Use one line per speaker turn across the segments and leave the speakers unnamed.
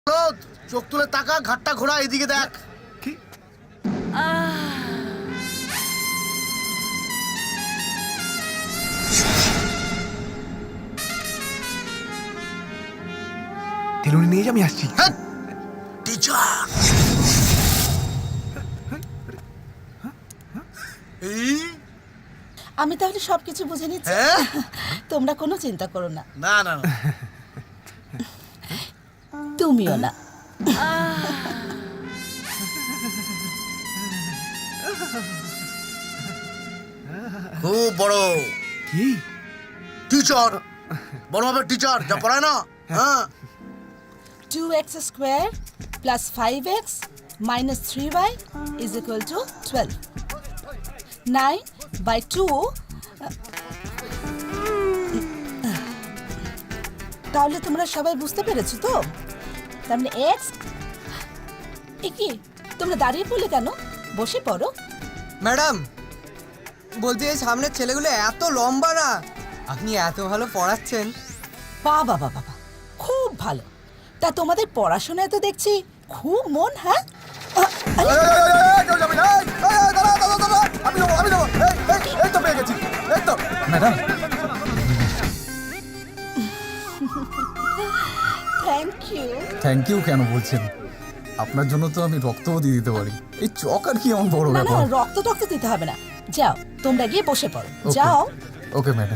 চোখ তুলে তাকা, ঘাটটা ঘোরা, এদিকে দেখ।
কি তেলুনি নিয়ে যা, আমি আসছি।
টিচার
আমি তাহলে সবকিছু বুঝে নিচ্ছি। তোমরা কোনো চিন্তা করো না।
না না না,
তুমিও না।
খুব বড়
কি
টিচার, বড় হবে টিচার, যা পড়ায় না। হ্যাঁ
2x square plus 5x minus 3y is equal to 12. 9 by 2 তাহলে তোমরা সবাই বুঝতে পেরেছো তো? তার মানে x কি, তোমরা দাঁড়িয়ে পড়লে কেন? বসে পড়ো।
ম্যাডাম বলতে এই সামনের ছেলেগুলো এত লম্বা না, আপনি এত ভালো পড়াচ্ছেন।
বাবা বাবা বাবা, খুব ভালো। তা তোমাদের পড়াশোনায় তো দেখছি খুব মন। হ্যাঁ
madam?
Thank you.
Thank you কেন বলছেন? আপনার জন্য তো আমি রক্তও দিয়ে দিতে পারি। এই চক আর কি আমার বড়
না না,
ব্যাপার।
রক্ত টক্ত দিতে হবে না। যাও তোমরা গিয়ে বসে পড়ো,
Okay.
যাও।
Okay madam.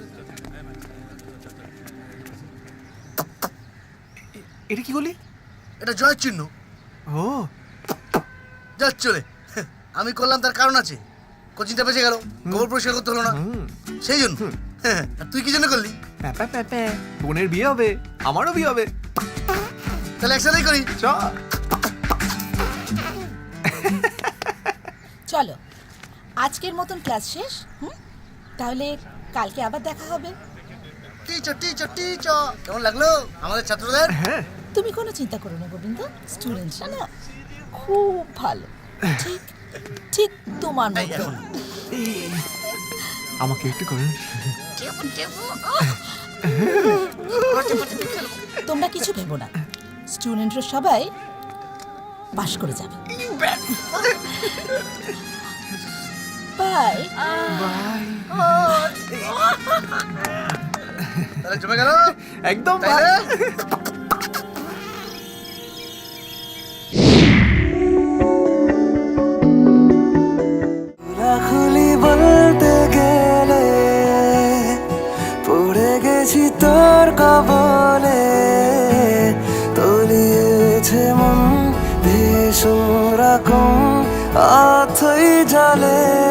এটা কি বলি?
এটা জয়ের চিহ্ন।
ও
যা চলে, আমি করলাম তার কারণ আছে। কোচিংটা বেঁচে গেল, গোবর পরিষ্কার করতে হলো না, সেই জন্য। আর তুই কি জন্য করলি?
প্যাপা প্যাপা, বোনের বিয়ে হবে, আমারও বিয়ে হবে।
তাহলে একসাথেই করি।
চ।
চলো, আজকের মতন ক্লাস শেষ। তাহলে কালকে আবার দেখা হবে।
টিচার টিচার টিচার, কেমন লাগলো আমাদের ছাত্রদের?
হ্যাঁ
তুমি কোনো চিন্তা করো না গোবিন্দ, স্টুডেন্টরা না খুব ভালো। ঠিক ঠিক তোমার
এই
মতো।
এখন।
আমাকে একটু করুন।
তোমরা কিছু ভেবো না, স্টুডেন্টরা সবাই পাশ করে যাবে। বাই।
বাই।
তাহলে জমে গেল
একদম
তাইলে?
রাখলি বলতে গেলে পড়ে গেছি তোর কবলে, তলিয়েছে মন ভীষণ রকম অথই জলে।